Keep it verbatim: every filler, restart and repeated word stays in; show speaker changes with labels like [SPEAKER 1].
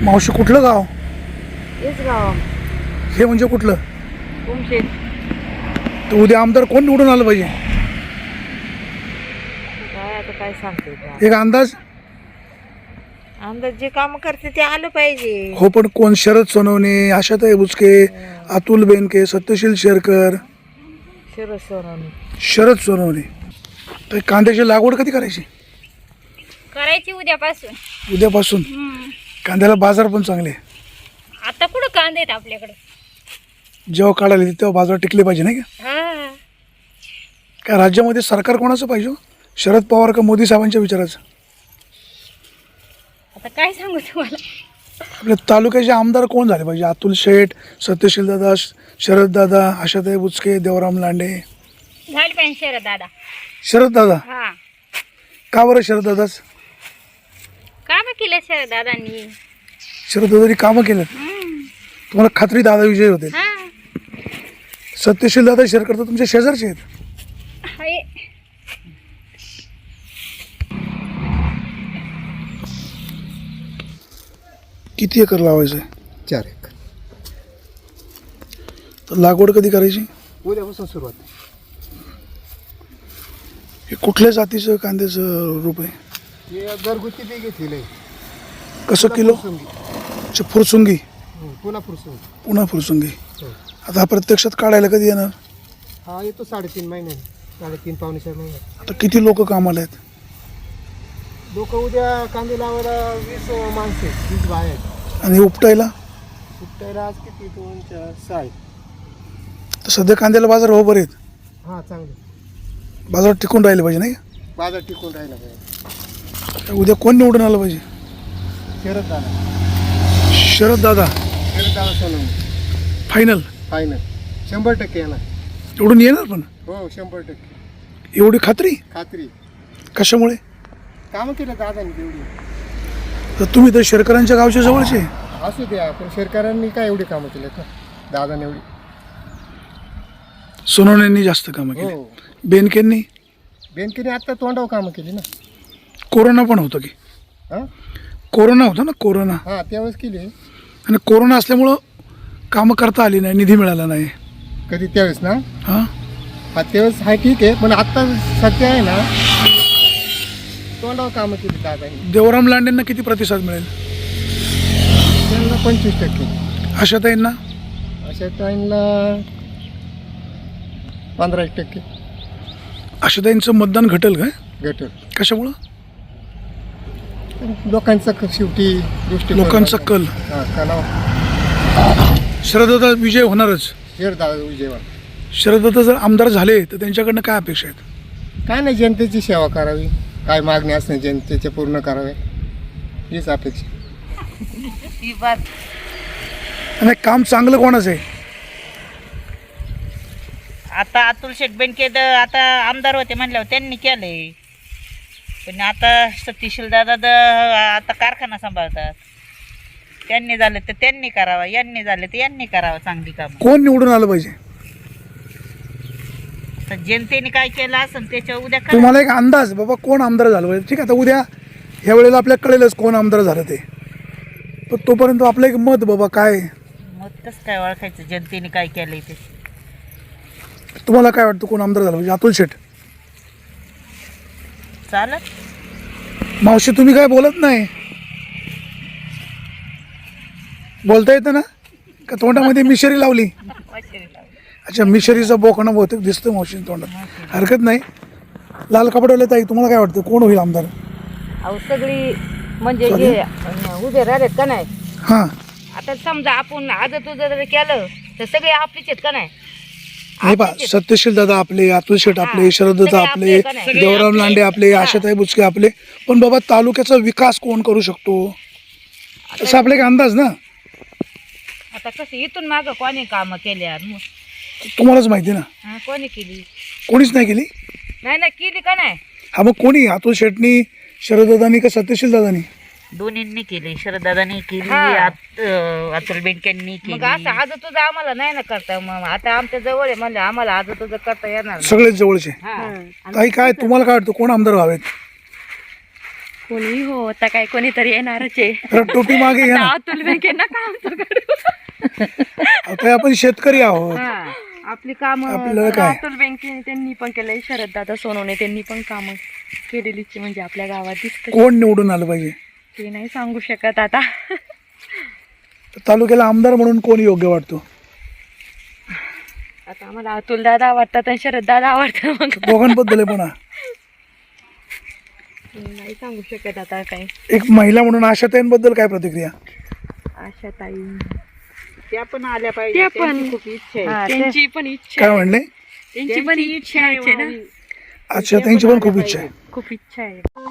[SPEAKER 1] मावशी कुठलं गाव?
[SPEAKER 2] हेच गाव
[SPEAKER 1] हे म्हणजे कुठलं?
[SPEAKER 2] तुमचे
[SPEAKER 1] तर उद्या आमदार कोण निवडून आलं पाहिजे?
[SPEAKER 2] काय आता काय सांगते बा.
[SPEAKER 1] एक अंदाज?
[SPEAKER 2] आमदार जे काम करते ते आलं पाहिजे.
[SPEAKER 1] हो, पण कोण? शरद सोनवणे, आशाताई बुचके, अतुल बेनके, सत्यशील शेरकर,
[SPEAKER 2] शरद सोनवणे.
[SPEAKER 1] शरद सोनवणे. तर कांद्याची लागवड कधी करायची?
[SPEAKER 3] करायची उद्यापासून.
[SPEAKER 1] उद्यापासून. कांद्याला बाजार पण चांगले.
[SPEAKER 3] आता कुठं कांदे आहेत आपल्याकडे?
[SPEAKER 1] जेव्हा काढायला येते तेव्हा बाजार टिकले पाहिजे नाही का?
[SPEAKER 3] हा.
[SPEAKER 1] काय राज्यामध्ये सरकार कोणाचं पाहिजे? शरद पवार का मोदी साहेबांच्या विचाराचं?
[SPEAKER 3] आता काय सांगू तुम्हाला?
[SPEAKER 1] आपल्या तालुक्याचे आमदार कोण झाले पाहिजे? अतुल शेठ, सत्यशील दादा, शरद दादा, आशाताई बुचके, देवराम लांडे.
[SPEAKER 3] झाली पाहिजे शरद दादा.
[SPEAKER 1] शरद दादा.
[SPEAKER 3] हा.
[SPEAKER 1] का बरं शरद दादाच?
[SPEAKER 3] काम केलं शरद दादांनी.
[SPEAKER 1] शरद दादानी कामं केलं. तुम्हाला खात्री दादा विजय होते.
[SPEAKER 3] हा.
[SPEAKER 1] सत्यशील दादा शेरकर तर तुमच्या शेजारचे आहेत.
[SPEAKER 3] हाय.
[SPEAKER 1] किती एकर लावायचं आहे?
[SPEAKER 4] चार एक.
[SPEAKER 1] तर लागवड कधी करायची?
[SPEAKER 4] उद्यापासून सुरुवात.
[SPEAKER 1] हे कुठल्या जातीचं कांद्याचं रूप आहे?
[SPEAKER 4] हे घरगुती बी घेतलेलं आहे.
[SPEAKER 1] कसं किलो?
[SPEAKER 4] फुरसुंगी.
[SPEAKER 1] अच्छा, फुरसुंगी.
[SPEAKER 4] हो, पुन्हा फुरसुंगी.
[SPEAKER 1] पुन्हा फुरसुंगी.
[SPEAKER 4] हो.
[SPEAKER 1] आता हा प्रत्यक्षात काढायला कधी येणार?
[SPEAKER 4] हा येतो साडेतीन महिन्याने, साडेतीन पावणे चार महिन्यात.
[SPEAKER 1] आता किती लोक कामाला आहेत?
[SPEAKER 4] लोक उद्या कांदे लावायला वीस माणसं आहेत, वीस बाया आहेत.
[SPEAKER 1] आणि उपटायला?
[SPEAKER 4] सुट्टायला आज किती? दोन चार सहा आहेत.
[SPEAKER 1] तर सध्या कांद्याला बाजार हो बरे आहेत.
[SPEAKER 4] हां चांगले.
[SPEAKER 1] बाजार टिकून राहिले पाहिजे नाही?
[SPEAKER 4] बाजार टिकून राहिला पाहिजे.
[SPEAKER 1] तर उद्या कोण निवडून आलं पाहिजे?
[SPEAKER 4] शरद दादा.
[SPEAKER 1] शरद दादा
[SPEAKER 4] शरद दादा सोनवणे.
[SPEAKER 1] फायनल?
[SPEAKER 4] फायनल शंभर टक्के येणार.
[SPEAKER 1] निवडून येणार पण?
[SPEAKER 4] हो शंभर टक्के
[SPEAKER 1] एवढी खात्री?
[SPEAKER 4] खात्री.
[SPEAKER 1] कशामुळे?
[SPEAKER 4] कामं केलं दादाने तेवढी.
[SPEAKER 1] तर तुम्ही तर शेरकरांच्या गावच्या जवळचे.
[SPEAKER 4] असू द्या, पण शेतकऱ्यांनी काय एवढी कामं केली का दादाने एवढी?
[SPEAKER 1] सोनवण्यांनी जास्त कामं केली.
[SPEAKER 4] हो.
[SPEAKER 1] बेनकेंनी?
[SPEAKER 4] बँकेने आत्ता तोंडावर कामं केली ना.
[SPEAKER 1] कोरोना पण होतं की?
[SPEAKER 4] हां
[SPEAKER 1] कोरोना होता ना, कोरोना.
[SPEAKER 4] हां त्यावेळेस केली.
[SPEAKER 1] आणि कोरोना असल्यामुळं कामं करता आली नाही, निधी मिळाला नाही.
[SPEAKER 4] कधी त्यावेळेस ना?
[SPEAKER 1] हां,
[SPEAKER 4] हा त्यावेळेस आहे ठीक आहे, पण आत्ता सध्या आहे ना तोंडावर कामं केली दादाने.
[SPEAKER 1] देवराम लांडेंना किती प्रतिसाद मिळेल?
[SPEAKER 4] त्यांना पंचवीस टक्के.
[SPEAKER 1] आशाताईंना?
[SPEAKER 4] अशा टाईमला पंधरा एक टक्के.
[SPEAKER 1] आशाताईंचं मतदान घटेल काय?
[SPEAKER 4] गट
[SPEAKER 1] कशामुळं?
[SPEAKER 4] लोकांचा क- शेवटी गोष्टी
[SPEAKER 1] लोकांचा कल.
[SPEAKER 4] हां कलाव.
[SPEAKER 1] शरददादा विजय होणारच.
[SPEAKER 4] शेर दादा विजयवाड.
[SPEAKER 1] शरददादा जर आमदार झाले तर त्यांच्याकडनं काय अपेक्षा आहेत?
[SPEAKER 4] काय नाही, जनतेची सेवा करावी, काय मागणी असणे जनतेचे पूर्ण करावे, हीच अपेक्षा.
[SPEAKER 2] ही बात
[SPEAKER 1] आणि काम चांगलं कोणाचं आहे?
[SPEAKER 2] आता अतुल शेठ बेनके द- आता आमदार होते म्हणल्यावर त्यांनी केलंय. पण आता सतीशील दादा द आता कारखाना सांभाळतात. त्यांनी झालं तर त्यांनी करावा, यांनी झालं तर यांनी करावं चांगली कामं.
[SPEAKER 1] कोण निवडून आलं पाहिजे?
[SPEAKER 2] तर जनतेने काय केलं असेल त्याच्यावर उद्या करा.
[SPEAKER 1] तुम्हाला एक अंदाज बाबा कोण आमदार झालं पाहिजे? ठीक आहे, आता उद्या ह्या वेळेला आपल्याला कळेलच कोण आमदार झालं ते. पण तोपर्यंत आपलं एक मत बाबा काय?
[SPEAKER 2] मग कसं काय ओळखायचं जनतेने काय केलंय ते?
[SPEAKER 1] तुम्हाला काय वाटतं कोण आमदार झालं पाहिजे? अतुल शेठ?
[SPEAKER 2] चालत
[SPEAKER 1] मावशी तुम्ही काय बोलत नाही? बोलता येतं ना? का तोंडामध्ये मिशरी लावली? अच्छा, मिशरीचा बोकणं बहुतेक दिसतं मावशी तोंडात. हरकत नाही. लाल कपड्याला ताई तुम्हाला काय वाटतं कोण होईल आमदार?
[SPEAKER 2] अहो सगळी म्हणजे हे उभे राहिलेत का नाही.
[SPEAKER 1] हां,
[SPEAKER 2] आता समजा आपण आज तुझं जर केलं तर सगळे आपलीच आहेत का नाही.
[SPEAKER 1] हे पा सत्यशील दादा आपले, अतुल शेठ आपले, शरद दादा आपले, देवराम लांडे आपले, आशाताई बुचके आपले. पण बाबा तालुक्याचा विकास कोण करू शकतो तसा आपला एक अंदाज ना.
[SPEAKER 2] आता कसं इथून मागं कोणी कामं केल्या?
[SPEAKER 1] तुम्हालाच माहिती ना.
[SPEAKER 2] हा, कोणी केली?
[SPEAKER 1] कोणीच नाही केली.
[SPEAKER 2] नाही ना केली का नाही.
[SPEAKER 1] हा, मग कोणी? अतुल शेठनी, शरद दादानी का सत्यशील दादानी?
[SPEAKER 2] दोन्हींनी केली. शरददादांनी केली,
[SPEAKER 3] हा.
[SPEAKER 2] आत- अतुल बेनकेंनी केली.
[SPEAKER 3] मग असं आज तुझं आम्हाला नाही ना करता. मग आता आमच्या जवळ आहे म्हणजे आम्हाला आज तुझं करता येणार नाही.
[SPEAKER 1] सगळेच जवळचे.
[SPEAKER 2] हा.
[SPEAKER 1] काही काय तुम्हाला काय वाटतं कोण आमदार व्हावेत?
[SPEAKER 5] कोणी हो आता काय कोणीतरी येणारच आहे.
[SPEAKER 1] तर टोपी मागे घ्या ना.
[SPEAKER 5] अतुल बेनके नका आमचं करू.
[SPEAKER 1] आता आपण शेतकरी आहोत,
[SPEAKER 3] हा आपली काम
[SPEAKER 1] आपल्याला काय
[SPEAKER 5] अतुल बेनके त्यांनी पण केलंय, शरद दादा सोनवणे त्यांनी पण कामं केलेलीच आहे, म्हणजे आपल्या गावात दिसत.
[SPEAKER 1] कोण निवडून आलं पाहिजे
[SPEAKER 5] ते नाही सांगू शकत आता.
[SPEAKER 1] तर तालुक्याला आमदार म्हणून कोण योग्य वाटतो?
[SPEAKER 5] आता आम्हाला अतुल दादा आवडतात आणि शरद दादा आवडतात, मग
[SPEAKER 1] दोघांबद्दल आहे. पण
[SPEAKER 5] नाही सांगू शकत आता काही.
[SPEAKER 1] एक महिला म्हणून आशाताईंबद्दल काय प्रतिक्रिया?
[SPEAKER 5] आशा ताई
[SPEAKER 2] त्या पण आल्या पाहिजे,
[SPEAKER 5] त्या पण-
[SPEAKER 2] त्यांची खूप इच्छा आहे.
[SPEAKER 3] हा, ते-
[SPEAKER 5] त्यांची पण इच्छा
[SPEAKER 1] काय
[SPEAKER 5] आहे.
[SPEAKER 1] म्हणले?
[SPEAKER 5] त्यांची पण इच्छा आहे ना,
[SPEAKER 1] अच्छा, त्यांची पण खूप इच्छा आहे.
[SPEAKER 5] खूप इच्छा आहे.